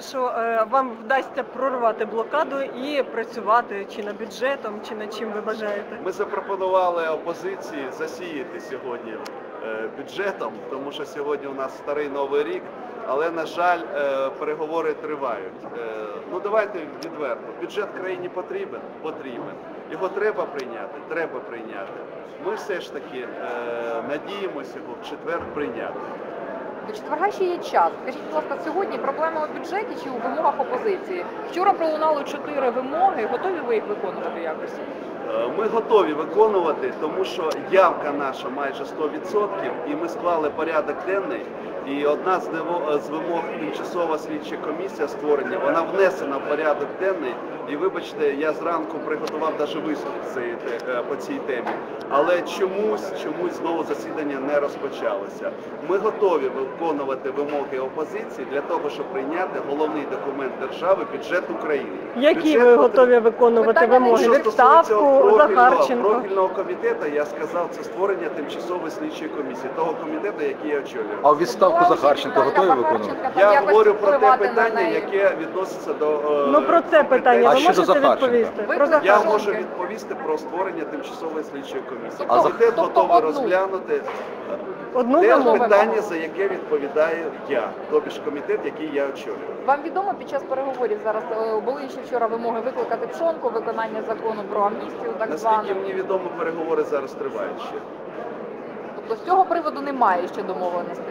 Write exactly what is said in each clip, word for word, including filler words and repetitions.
що е, вам вдасться прорвати блокаду і працювати чи над бюджетом, чи над чим ви бажаєте? Ми запропонували опозиції засіяти сьогодні е, бюджетом, тому що сьогодні у нас старий Новий рік, але, на жаль, е, переговори тривають. Е, ну давайте відверто, бюджет країні потрібен? Потрібен. Його треба прийняти? Треба прийняти. Ми все ж таки е, надіємося його в четвер прийняти. До четверга ще є час. Скажіть, будь ласка, сьогодні проблема у бюджеті чи у вимогах опозиції? Вчора пролунало чотири вимоги. Готові ви їх виконувати якось? Ми готові виконувати, тому що явка наша майже сто відсотків, і ми склали порядок денний. І одна з вимог тимчасова слідча комісія створення, вона внесена в порядок денний. І вибачте, я зранку приготував навіть виступ по цій темі. Але чомусь, чомусь знову засідання не розпочалося. Ми готові виконувати вимоги опозиції для того, щоб прийняти головний документ держави – бюджет України. Які бюджет ви потрібен... готові виконувати вимоги? Відставку, Захарченко? Профільного комітету, я сказав, це створення тимчасової слідчої комісії, того комітету, який я очолюю. А відставку Захарченка готові виконувати? Я говорю про те питання, яке відноситься до... Ну про це питання ви можете відповісти? Я можу відповісти про створення тимчасової слідчої комісії. А комітет тобто готовий одну? розглянути Одну те вимогу? питання, за яке відповідаю я, тобі ж комітет, який я очолюю. Вам відомо під час переговорів зараз е, були ще вчора вимоги викликати Пшонку, виконання закону про амністію, так звану. Наскільки мені відомо, переговори зараз тривають ще. Тобто з цього приводу немає ще домовленостей?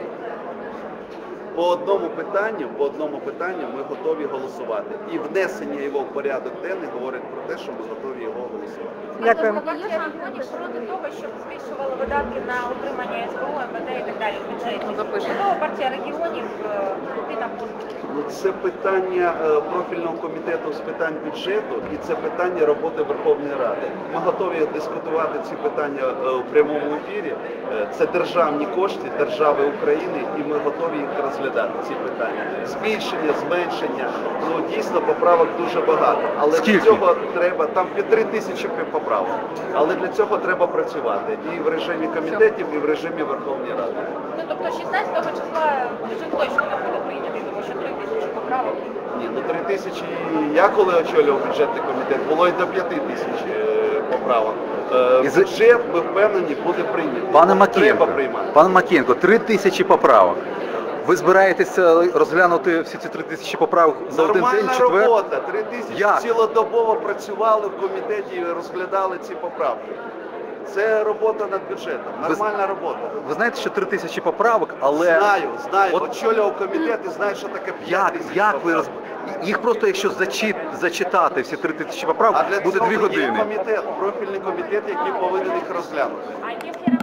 По одному питанню, по одному питанню ми готові голосувати. І внесення його в порядок денний говорить про те, що ми готові його голосувати. Дякую. Партія виходить проти того, щоб збільшували видатки на утримання ес бе о, ем ве де і так далі в бюджеті. Можливо, партія регіонів йти на позицію. Ну, це питання е, профільного комітету з питань бюджету і це питання роботи Верховної Ради. Ми готові дискутувати ці питання е, у прямому ефірі. Е, це державні кошти держави України і ми готові їх розглядати, ці питання. Збільшення, зменшення, ну дійсно поправок дуже багато. Але Скільки? для цього треба, там під три тисячі поправок. Але для цього треба працювати і в режимі комітетів, і в режимі Верховної Ради. Ну, тобто шістнадцятого числа бюджет точно не буде прийнятий, тому що три тисячі поправок. Ні, ну три тисячі, я коли очолював бюджетний комітет, було і до п'яти тисяч е, поправок. Е, І за- Бюджет, ми впевнені, буде прийнятий. Пане Треба Макієнко, приймати. пане Макієнко, три тисячі поправок. Ви збираєтеся розглянути всі ці три тисячі поправок за один день, Нормальна четвер? робота. Три тисячі Як? цілодобово працювали в комітеті і розглядали ці поправки. Це робота над бюджетом. Нормальна робота. Ви знаєте, що три тисячі поправок, але... Знаю, знаю. От- Очолював комітет і знаю, що таке п'ять Як, тисяч як ви поправок. роз... Їх просто, якщо зачит... зачитати всі три тисячі поправок, А для буде цього дві є години. комітет, профільний комітет, який повинен їх розглянути. А якщо